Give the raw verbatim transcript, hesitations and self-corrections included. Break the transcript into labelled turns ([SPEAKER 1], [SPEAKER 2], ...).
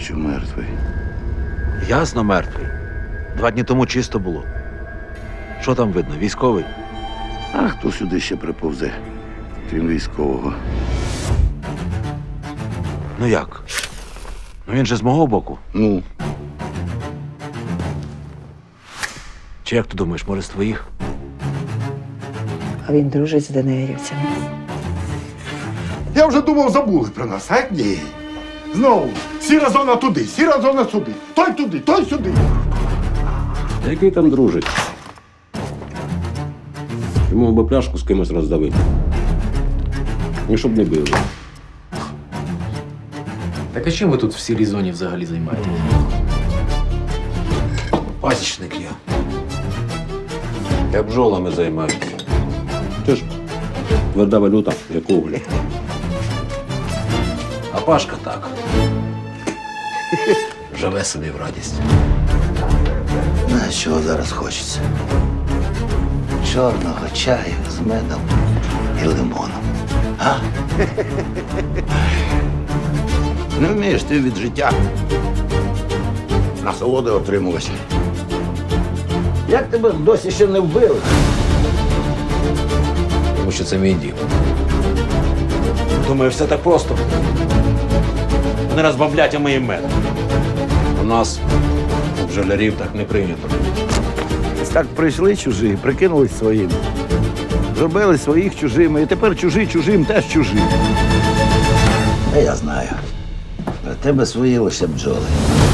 [SPEAKER 1] що мертвий.
[SPEAKER 2] Ясно, мертвий. Два дні тому чисто було. Що там видно? Військовий?
[SPEAKER 1] А хто сюди ще приповзе, крім військового?
[SPEAKER 2] Ну як? Ну він же з мого боку.
[SPEAKER 1] Ну,
[SPEAKER 2] Чи як ти думаєш, може з твоїх?
[SPEAKER 3] А він дружить з ДНРівцями.
[SPEAKER 4] Я вже думав, забули про нас, а ні. Знову, сіра зона туди, сіра зона сюди. Той туди, той сюди.
[SPEAKER 5] Який там дружить? Йому би пляшку з кимось роздавити. І щоб не били.
[SPEAKER 6] Так а чим ви тут в сірій зоні взагалі займаєтесь?
[SPEAKER 2] Пасічник я. Я бджолами займаюся.
[SPEAKER 5] Ти ж тверда валюта, як уголь.
[SPEAKER 2] А Пашка так. Живе собі в радість.
[SPEAKER 1] на що зараз хочеться? Чорного чаю з медом і лимоном. А? Не вмієш ти від життя насолоди отримувати. Як тебе досі ще не вбили?
[SPEAKER 2] Тому що це мій дім. Думаю, все так просто. Не розбавлять, а моїм медом. У нас, у бджолярів, так не прийнято.
[SPEAKER 1] Так прийшли чужі, прикинулись своїм. Зробили своїх чужими, і тепер чужі чужим теж чужі. А я знаю. Про тебе свої лише бджоли.